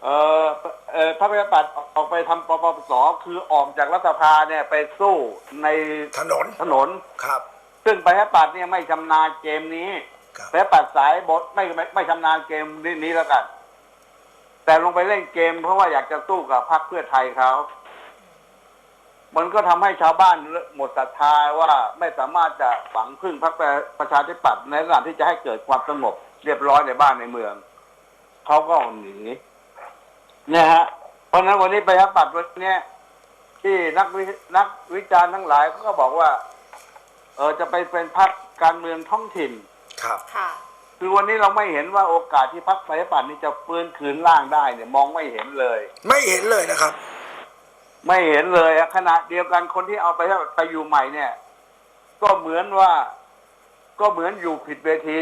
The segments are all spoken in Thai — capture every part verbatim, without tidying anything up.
เออเออพรรคประชาธิปัตย์ออกไปทำปปสคือออกจากรัฐสภาเนี่ยไปสู้ในถนนถนนครับซึ่งประชาธิปัตย์เนี่ยไม่ชำนาญเกมนี้ประชาธิปัตย์สายบทไม่ไม่ไม่ชำนาญเกมนี้นี้แล้วกันแต่ลงไปเล่นเกมเพราะว่าอยากจะสู้กับพรรคเพื่อไทยเขามันก็ทำให้ชาวบ้านหมดศรัทธาว่าไม่สามารถจะฝังพึ่งพรรคประชาธิปัตย์ในการที่จะให้เกิดความสงบเรียบร้อยในบ้านในเมืองเขาก็หนีเนี่ยฮะเพราะนั้นวันนี้ประชาธิปัตย์วันนี้ที่นักวินักวิจารณ์ทั้งหลายเขาก็บอกว่าเออจะไปเป็นพรรคการเมืองท้องถิ่นครับค่ะคือวันนี้เราไม่เห็นว่าโอกาสที่พรรคประชาธิปัตย์นี้จะฟื้นคืนร่างได้เนี่ยมองไม่เห็นเลยไม่เห็นเลยนะครับไม่เห็นเลยขณะเดียวกันคนที่เอาไปไปอยู่ใหม่เนี่ยก็เหมือนว่าก็เหมือนอยู่ผิดเวที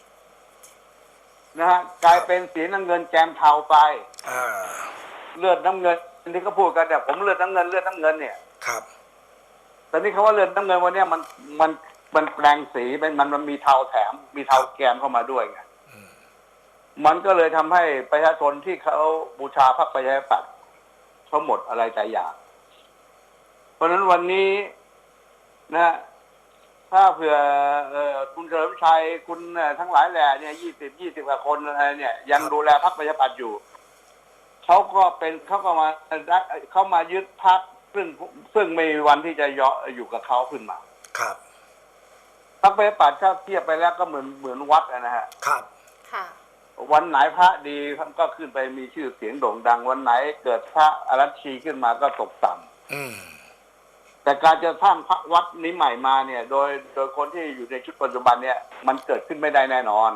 นะฮะกลายเป็นสีน้ำเงินแกมเทาไปเลือดน้ำเงินที่เขาพูดกันเนี่ยผมเลือดน้ำเงินเลือดน้ำเงินเนี่ยครับแต่นี่เขาว่าเลือดน้ำเงินวันนี้มันมันมันแปลงสีมันมันมันมีเทาแถมมีเทาแกมเข้ามาด้วยไงมันก็เลยทำให้ประชาชนที่เขาบูชาพรรคประชาธิปัตย์เขาหมดอะไรใจอยากเพราะฉะนั้นวันนี้นะถ้าเผื่อคุณเฉลิมชัยคุณทั้งหลายแหล่เนี่ยยี่สิบยี่สิบกว่าคนอะไรเนี่ยยังดูแลพรรคประชาธิปัตย์อยู่เขาก็เป็นเขาก็มาเขามายึดพรรคซึ่งซึ่งไม่มีวันที่จะยออยู่กับเขาขึ้นมาครับพรรคประชาธิปัตย์ถ้าเทียบไปแล้วก็เหมือนเหมือนวัดนะฮะครับค่ะวันไหนพระดีก็ขึ้นไปมีชื่อเสียงโด่งดังวันไหนเกิดพระอรัชชีขึ้นมาก็ตกต่ำแต่การจะสร้างพระวัดนี้ใหม่มาเนี่ยโดยโดยคนที่อยู่ในชุดปัจจุบันเนี่ยมันเกิดขึ้นไม่ได้แน่นอน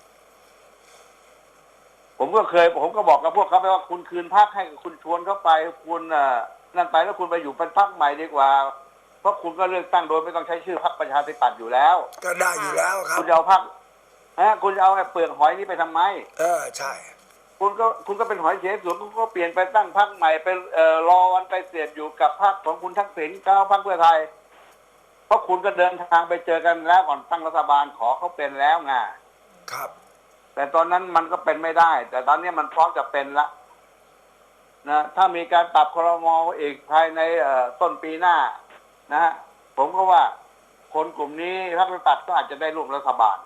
ผมก็เคยผมก็บอกกับพวกเขาไปว่าคุณคืนพรรคให้คุณชวนเข้าไปคุณนั่นไปแล้วคุณไปอยู่เป็นพรรคใหม่ดีกว่าเพราะคุณก็เลือกตั้งโดยไม่ต้องใช้ชื่อพรรคประชาธิปัตย์อยู่แล้วก็ได้อยู่แล้วครับคุณจะเอาพรรคฮะคุณจะเอาไอ้เปลือกหอยนี้ไปทำไมเออใช่คุณก็คุณก็เป็นหอยเฉยสวนคุณก็เปลี่ยนไปตั้งพรรคใหม่ไปเอ่อรอวันไปเสียดอยู่กับพรรคของคุณทักษิณก้าวพรรคเพื่อไทยเพราะคุณก็เดินทางไปเจอกันแล้วก่อนตั้งรัฐบาลขอเขาเป็นแล้วไงครับแต่ตอนนั้นมันก็เป็นไม่ได้แต่ตอนนี้มันพร้อมจะเป็นละนะถ้ามีการปรับครม.อีกภายในต้นปีหน้านะฮะผมก็ว่าคนกลุ่มนี้พรรคประชาธิปัตย์ก็อาจจะได้ร่วมรัฐบาล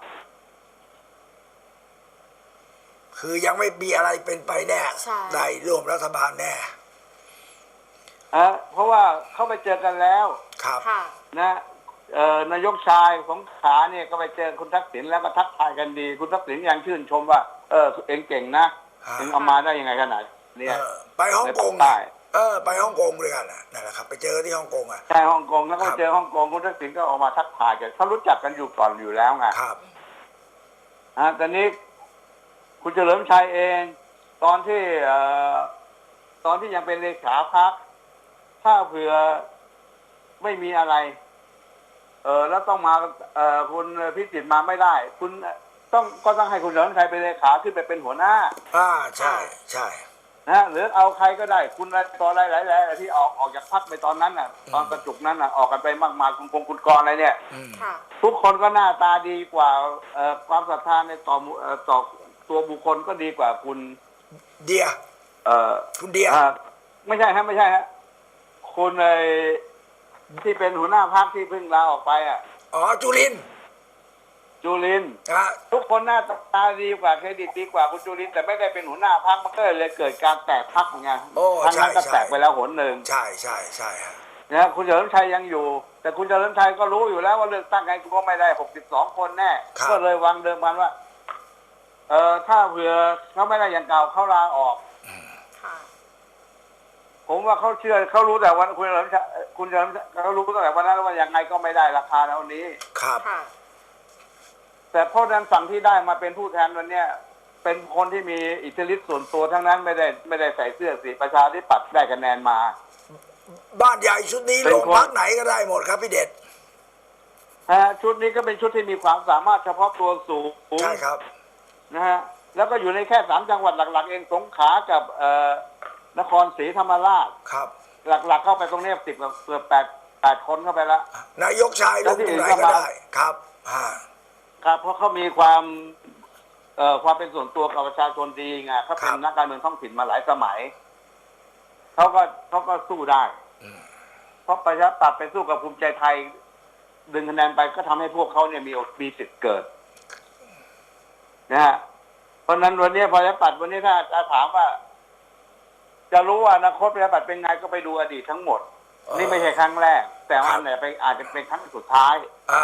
คือยังไม่มีอะไรเป็นไปแน่ได้ร่วมรัฐบาลแน่อ่ะเพราะว่าเขาไปเจอกันแล้วครับนะเอ่อนายกชายของขาเนี่ยก็ไปเจอคุณทักษิณแล้วก็ทักทายกันดีคุณทักษิณยังชื่นชมว่าเออเองเก่งนะเองเอามาได้ยังไงขนาดนี้ไปฮ่องกงได้เออไปฮ่องกงด้วยกันนั่นแหละครับไปเจอที่ฮ่องกงอ่ะใช่ฮ่องกงแล้วก็เจอฮ่องกงคุณทักษิณก็ออกมาทักทายกันเขารู้จักกันอยู่ก่อนอยู่แล้วไงครับอ่าตอนนี้คุณเฉลิมชัยเองตอนที่เอ่อตอนที่ยังเป็นเลขาพรรคถ้าเผื่อไม่มีอะไรเออแล้วต้องมาเอ่อคุณพิจิตรมาไม่ได้คุณต้องก็ต้องให้คุณเฉลิมชัยเป็นเลขาขึ้นไปเป็นหัวหน้าอ่าใช่ใช่นะหรือเอาใครก็ได้คุณตอนอะไรหลายๆที่ออกออกจากพรรคไปตอนนั้นน่ะตอนกระจุกนั้นน่ะออกกันไปมากมายคุณพงคุณกรอะไรเนี่ยทุกคนก็หน้าตาดีกว่าเอ่อความศรัทธาในต่อเอ่อต่อตัวบุคคลก็ดีกว่าคุณเดียเอ่อคุณเดียไม่ใช่ฮะไม่ใช่ฮะคุณไอ้ที่เป็นหัวหน้าพรรคที่เพิ่งลาออกไปอ่ะอ๋อจุลินจุลินทุกคนหน้าตาดีกว่าเครดิตดีกว่าคุณจุลินแต่ไม่ได้เป็นหัวหน้าพรรคมันก็เลยเกิดการแตกพรรคไงทั้งนั้นก็แตกไปแล้วหนหนึ่งใช่ใช่ใช่ฮะนะคุณเฉลิมชัยยังอยู่แต่คุณเฉลิมชัยก็รู้อยู่แล้วว่าเลือกตั้งไงคุณก็ไม่ได้หกสิบสองคนแน่ก็เลยวางเดิมพันว่าเอ่อถ้าเผื่อเขาไม่ได้อย่างเก่าเขาลาออกผมว่าเขาเชื่อเขารู้แต่วันคุณเฉลิมชัยคุณเฉลิมเขารู้ตั้งแต่วันนั้นว่ายังไงก็ไม่ได้ราคาเท่านี้ครับแต่เพราะนั้นฝั่งที่ได้มาเป็นผู้แทนวันเนี้ยเป็นคนที่มีอิทธิฤทธิ์ส่วนตัวทั้งนั้นไม่ได้ไม่ได้ใส่เสื้อสีประชาธิปัตย์ได้คะแนนมาบ้านใหญ่ชุดนี้ลงพรรคไหนก็ได้หมดครับพี่เด็ดฮะชุดนี้ก็เป็นชุดที่มีความสามารถเฉพาะตัวสูงใช่ครับนะฮะแล้วก็อยู่ในแค่สามจังหวัดหลักๆเองสงขลากับเอ่อนครศรีธรรมราชครับหลักๆเข้าไปตรงนี้สิบกับเกือบแปดแปดคนเข้าไปแล้วนายกชายลงตรงไหนก็ได้ครับครับเพราะเขามีความเอ่อความเป็นส่วนตัวกับประชาชนดีไงเขาเป็นนักการเมืองท้องถิ่นมาหลายสมัยเขาก็เขาก็สู้ได้เพราะประชาธิปัตย์ไปสู้กับภูมิใจไทยดึงคะแนนไปก็ทำให้พวกเขาเนี่ยมีมีสิทธิ์เกิดนะฮะเพราะนั้นวันนี้ประชาธิปัตย์วันนี้ถ้าจะถามว่า จะรู้ว่าอนาคตประชาธิปัตย์เป็นไงก็ไปดูอดีตทั้งหมดนี่ไม่ใช่ครั้งแรก แต่ว่าเนี่ยไปอาจจะเป็นครั้งสุดท้ายอ่า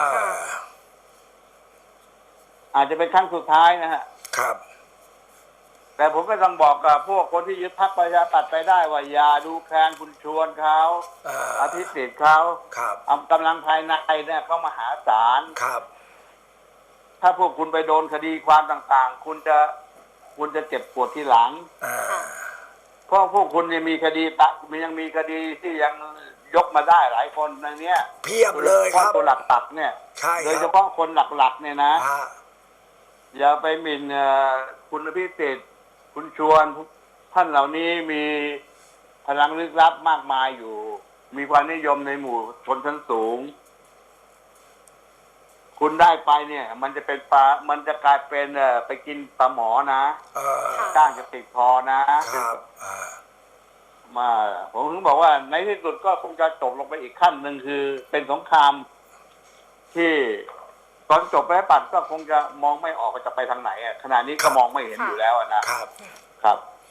อาจจะเป็นครั้งสุดท้ายนะฮะครับแต่ผมก็ต้องบอกกับพวกคนที่ยึดพรรคประชาธิปัตย์ไปได้ว่าอย่าดูแคลนคุณชวนเขาอภิสิทธิ์เขากำลังภายในเนี่ยเขามหาศาลครับถ้าพวกคุณไปโดนคดีความต่างๆคุณจะคุณจะเจ็บปวดทีหลังเพราะพวกคุณยังมีคดีตะมันยังมีคดีที่ยังยกมาได้หลายคนในนี้เพียบเลยครับตัวหลักตักเนี่ยโดยเฉพาะคนหลักๆเนี่ยนะอย่าไปหมิ่นคุณพิเศษคุณชวนท่านเหล่านี้มีพลังลึกลับมากมายอยู่ มีความนิยมในหมู่ชนชั้นสูงคุณได้ไปเนี่ย มันจะเป็นปลามันจะกลายเป็นเอ่อไปกินปลาหมอนะจ้างจะติดคอนะครับมาผมถึงบอกว่าในที่สุดก็คงจะจบลงไปอีกขั้นหนึ่งคือเป็นสงครามที่ตอนจบไปปัดก็คงจะมองไม่ออกว่าจะไปทางไหนอ่ะขณะนี้ก็มองไม่เห็นอยู่แล้วนะครับครับ